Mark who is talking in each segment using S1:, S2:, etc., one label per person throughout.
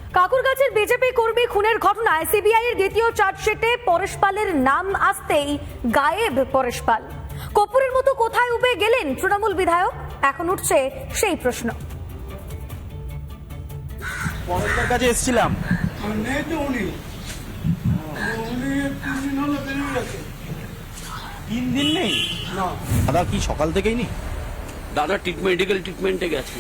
S1: কাকুরগাছের BJP কর্মী খুনের ঘটনায় সিবিআই এর দ্বিতীয় চার্জশিটে পরেশ পালের নাম আসতেই গায়েব পরেশ পাল। কর্পূরের মতো কোথায় উবে গেলেন তৃণমূল বিধায়ক? এখন উঠছে সেই প্রশ্ন।
S2: পরেশের কাছে এসেছিলাম,
S3: নেই তো উনি 3 দিন হলো বেরিয়ে গেছে।
S2: 3 দিন নেই।
S3: না,
S2: দাদা কি সকাল থেকেই নি?
S4: দাদা মেডিকেল ট্রিটমেন্টে গেছে।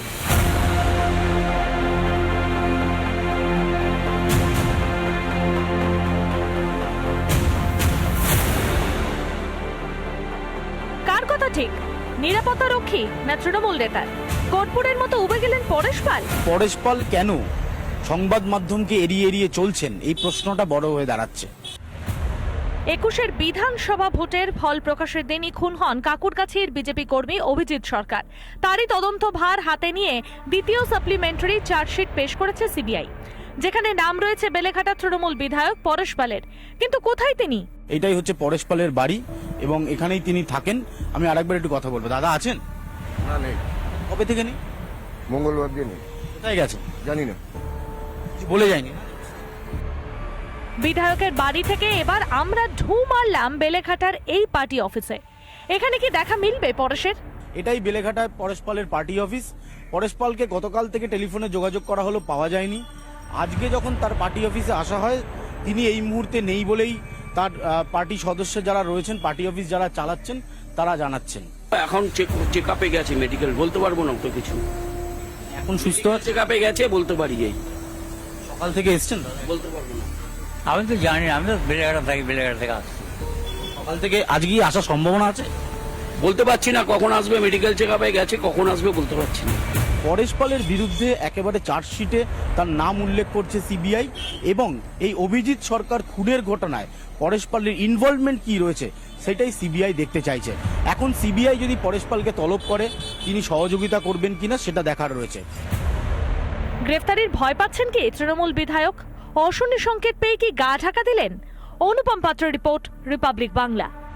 S5: কার কথা ঠিক? নিরাপত্তা রক্ষী না তৃণমূল নেতার? কর্পূরের মতো উবে গেলেন পরেশ পাল।
S2: পরেশ পাল কেন সংবাদ মাধ্যমকে এড়িয়ে এড়িয়ে চলছেন, এই প্রশ্নটা বড় হয়ে দাঁড়াচ্ছে।
S5: 21-এর বিধানসভা ভোটের ফল প্রকাশের দিনই খুন হন কাকুরগাছির বিজেপি কর্মী অভিজিৎ সরকার। তারই তদন্ত ভার হাতে নিয়ে দ্বিতীয় সাপ্লিমেন্টারি চার্জশিট পেশ করেছে সিবিআই, যেখানে নাম রয়েছে বেলেঘাটা তৃণমূল বিধায়ক পরেশ পালের। কিন্তু কোথায় তিনি?
S2: এটাই হচ্ছে পরেশ পালের বাড়ি এবং এখানেই তিনি থাকেন। আমি আরেকবার একটু কথা বলবো। দাদা আছেন?
S6: না নেই,
S2: কবে থেকে নেই?
S6: মঙ্গলবার দিয়ে নেই,
S2: কোথায় গেছেন
S6: জানি না।
S2: কিছু বলে যায়নি?
S5: বিধায়কের বাড়ি থেকে এবার আমরা ঢু মারলাম বেলেঘাটার এই পার্টি অফিসে। এখানে কি দেখা মিলবে পরেশের?
S2: এটাই বেলেঘাটায় পরেশ পালের পার্টি অফিস। পরেশ পালকে গতকাল থেকে টেলিফোনে যোগাযোগ করা হলো, পাওয়া যায়নি। আজকে যখন তার পার্টি অফিসে আসা হয়, তিনি এই মুহূর্তে নেই বলেই তার পার্টি সদস্য যারা রয়েছেন, পার্টি অফিস যারা চালাচ্ছেন, তারা জানাচ্ছেন।
S4: এখন চেক আপে গেছে মেডিকেল, বলতে পারবো না তো কিছু।
S2: এখন সুস্থ আছে?
S4: চেক আপে গেছে বলতে পারি, এই
S2: সকাল থেকে এসছেন?
S4: বলতে পারবো না।
S7: আমি তো জানি না, আমি তো বেলেঘাটা থাকি, বেলেঘাটা থেকে আসছি।
S2: সকাল থেকে আজকেই আসার সম্ভাবনা আছে?
S4: বলতে পারছি না কখন আসবে, মেডিকেল চেক আপে গেছে, কখন আসবে বলতে পারছি না।
S2: পরেশ পালের বিরুদ্ধে একেবারে চার্জশিটে তার নাম উল্লেখ করছে সিবিআই এবং এই অভিজিৎ সরকার খুনের ঘটনায় পরেশ পালের ইনভলভমেন্ট কি রয়েছে সেটাই সিবিআই দেখতে চাইছে। এখন সিবিআই যদি পরেশ পালকে তলব করে, তিনি সহযোগিতা করবেন কিনা সেটা দেখার রয়েছে।
S5: গ্রেফতারির ভয় পাচ্ছেন কি তৃণমূল বিধায়ক? অশনি সংকেত পেয়ে কি গা ঢাকা দিলেন? অনুপম পাত্র রিপোর্ট, রিপাবলিক বাংলা।